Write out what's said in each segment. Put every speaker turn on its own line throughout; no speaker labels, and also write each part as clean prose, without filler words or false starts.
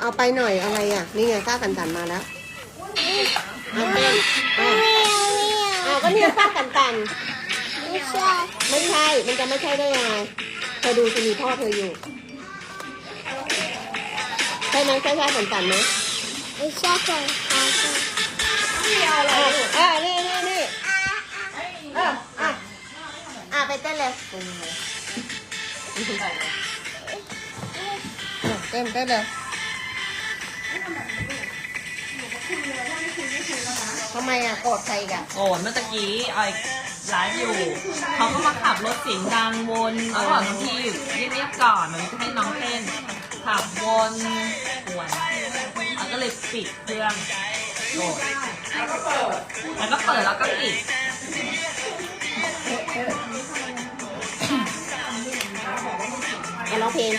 เอาไปหน่อยอะไรอ่ะนี่ไงข้าวกันมาแล้วเอาเต้นเอาก็เนี่ยข้าวกันไม่ใช่มันจะไม่ใช่ได้ยังไงเธอดูสิมีพ่อเธออยู่ใช่ไหมใช่ข้าวกันไหมไม่ใช่ค่ะนี่เอาอะไรนี่ไปเต้นเลยเต้นเลยทำไมอ่ะโกรธใครกัน
โกรธเมื่อกี้ไอ้ไลฟ์อยู่เขาก็มาขับรถเสียงดังวนเขาบอกน้องพี่เงียบๆก่อนมันจะให้น้องเต้นขับวนกวนแล้วก็เลยปิดเครื่องโกรธแล้วก็เปิดแล้วก็ปิด
ร้องเพลง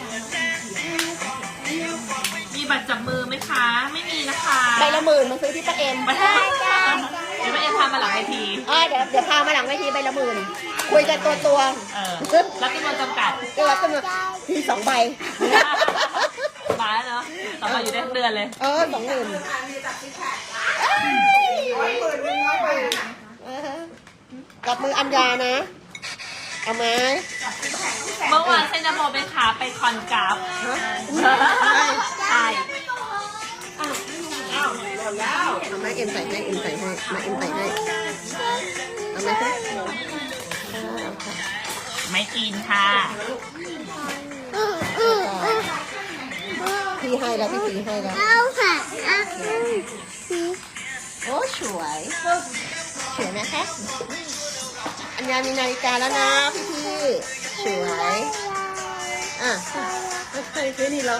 มีบัตรจับมือไหมคะไม่มีนะคะ
ใบละ10,000มาซื้อที่ป้าเอ็ม
เดี๋ยวป้าเอ็มพามาหลังเวที
เดี๋ยวพามาหลังเวทีใบละ10,000คุยกันตัว
แล้วจำนวนจำกัด
จำนวนที2 ใบ
มาแล้วเนาะต่อมาอยู่ได้ทั้งเดือนเลย
20,000กับมืออัญญานะเอาไหม
เมื่อวานเซนโมไปขาไปคอนกราฟใช่
เอาไหมเอ็มใส่ให้มาเอ็มใส่ให้เอาไหมคะ
ไม่กินค่ะ
พี่ให้แล้วพี่ให้แล้ว
เอาค่ะ
โอ้สวยไหมคะอัญญามีนาฬิกาแล้วนะพี่สวยใครซื้อนี่เหรอ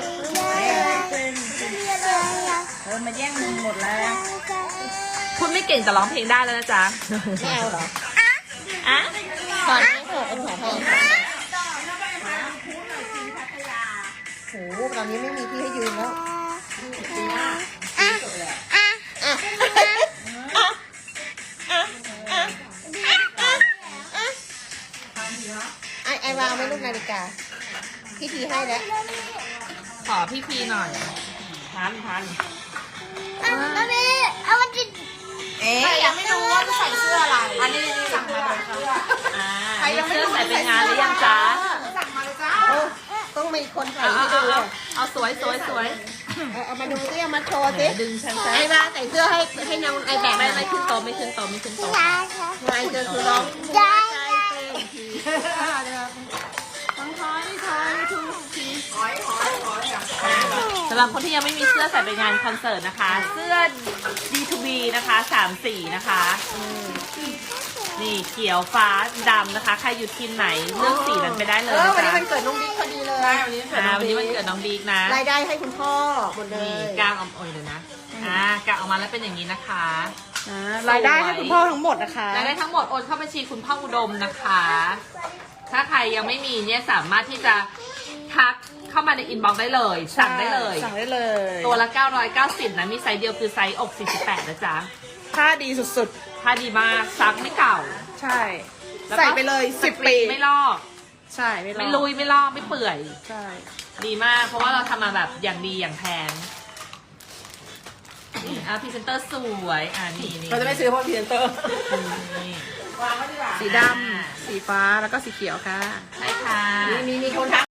มาแย่งมึงหมดแล้วคุณไม่เก่งแต่ร้องเพลงได้แล้วนะจ๊ะ
ไม่เอาเหรอ
สอน
ให้เอ็มขอให้โหตอนนี้ไม่มีที่ให้ยืนแล้วไอวางไม่ลูกนาฬิกาพี่ทีให้แล้ว
ขอพี่พีหน่อยทัน
แล้วนี่เอามาจิ
ยังไม่รู้ว่าจะใส่เสื้ออะไร
อันนี้สั่งมาเลยค่ะใครยังไม่รู้ใส่ไปงานหรือยังจ๊ะ
สั่งมาเลยจ้าต้องมีคนใส่ให้ดู
เอาสวย
เอามาดูสิเอามาโชว์สิ
ดึงฉัน
ไอ้บ้าใส่เสื้อให้น้องไอ้แบบ
ไม่ขึ้นโตไม่ขึ้นโต
ไงเจอคือร้อง
ใจ
สำหรับคนที่ยังไม่มีเสื้อใส่ไปงานคอนเสิร์ตนะคะเสื้อ D2B นะคะ3 สีนะคะนี่เขียวฟ้าดำนะคะใครอยู่ทีมไหนเลือกสีนั้นไปได้เลย
วันนี้มันเกิดน้องบิ๊กพอดีเลย
วันนี้มันเกิดน้องบิ๊กนะ
รายได้ให้คุณพ่อหมดเลย
กางออกเลยนะกางออกมาแล้วเป็นอย่างนี้นะคะ
รายได้ให้คุณพ่อทั้งหมดนะคะ
รายได้ทั้งหมดโอนเข้าบัญชีคุณพ่ออุดมนะคะถ้าใครยังไม่มีเนี่ยสามารถที่จะทักเข้ามาในอินบ็อกซ์ได้เลยสั่งได้เลยตัวละ990นะมีไซส์เดียวคือไซส์อก48นะจ๊ะ
ผ้าดีสุด
ๆผ้าดีมากซักไม่เก่า
ใช่ใส่ไปเลย10 ปี
ไม่ลอก
ใช่
ไม่ลุยไม่ลอกไม่เปื่อย
ใช่
ดีมากเพราะว่าเราทำมาแบบอย่างดีอย่างแพงพรีเซนเตอร์สวยนี่
เราจะไม่ซื้อเพราะพรีเซนเตอร์สีดำสีฟ้าแล้วก็สีเขียวค่ะ
ใช่ค่ะ
มีคนทัก